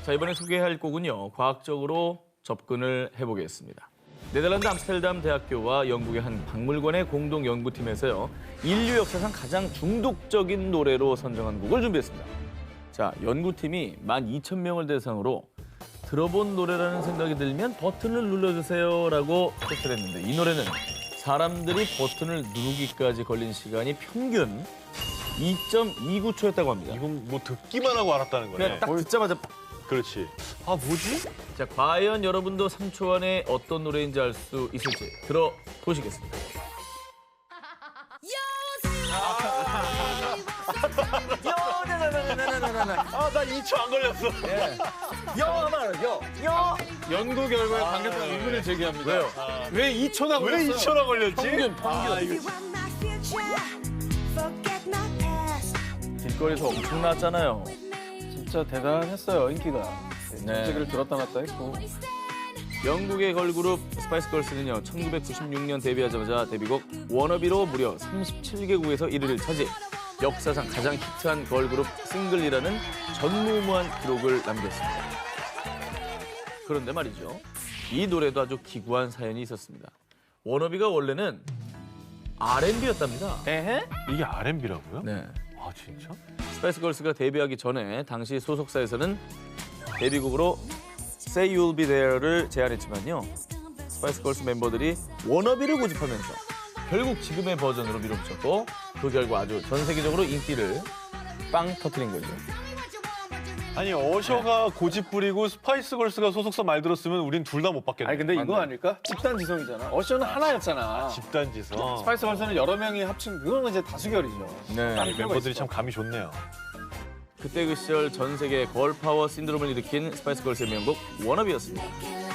자, 이번에 소개할 곡은요. 과학적으로 접근을 해보겠습니다. 네덜란드 암스테르담 대학교와 영국의 한 박물관의 공동 연구팀에서요. 인류 역사상 가장 중독적인 노래로 선정한 곡을 준비했습니다. 자, 연구팀이 12,000명을 대상으로 들어본 노래라는 생각이 들면 버튼을 눌러주세요라고 제시를 했는데 이 노래는 사람들이 버튼을 누르기까지 걸린 시간이 평균 2.29초였다고 합니다. 이건 뭐 듣기만 하고 알았다는 거네. 그냥 딱 듣자마자 그렇지. 아, 뭐지? 자, 과연 여러분도 3초 안에 어떤 노래인지 알 수 있을지 들어보시겠습니다. 아, 나 2초 안 걸렸어. 연구 결과에 관계자가 의문을 제기합니다. 왜요? 왜 2초나 왜 걸렸어요? 2초나 걸렸지? 평균. 아, 이거 길거리에서 엄청 나왔잖아요. 진짜 대단했어요, 인기가. 네. 네. 를 들었다 놨다 했고. 영국의 걸그룹 스파이스 걸스는요. 1996년 데뷔하자마자 데뷔곡 워너비로 무려 37개국에서 1위를 차지. 역사상 가장 히트한 걸그룹 싱글이라는 전무후무한 기록을 남겼습니다. 그런데 말이죠. 이 노래도 아주 기구한 사연이 있었습니다. 워너비가 원래는 R&B였답니다. 에헤? 이게 R&B라고요? 네. 아, 진짜? 스파이스 걸스가 데뷔하기 전에 당시 소속사에서는 데뷔곡으로 Say You'll Be There를 제안했지만요. 스파이스 걸스 멤버들이 워너비를 고집하면서 결국 지금의 버전으로 밀어붙였고 그 결과 아주 전 세계적으로 인기를 빵 터뜨린 거죠. 아니, 어셔가 고집 부리고 스파이스 걸스가 소속사 말 들었으면 우린 둘 다 못 받겠네. 아니 근데 이거 맞네. 아닐까? 집단 지성이잖아. 어셔는 하나였잖아. 집단지성. 스파이스 걸스는 여러 명이 합친 그건 이제 다수결이죠. 네. 멤버들이 참 감이 좋네요. 그때 그 시절 전 세계 걸파워 신드롬을 일으킨 스파이스 걸스의 명곡 워너비였습니다.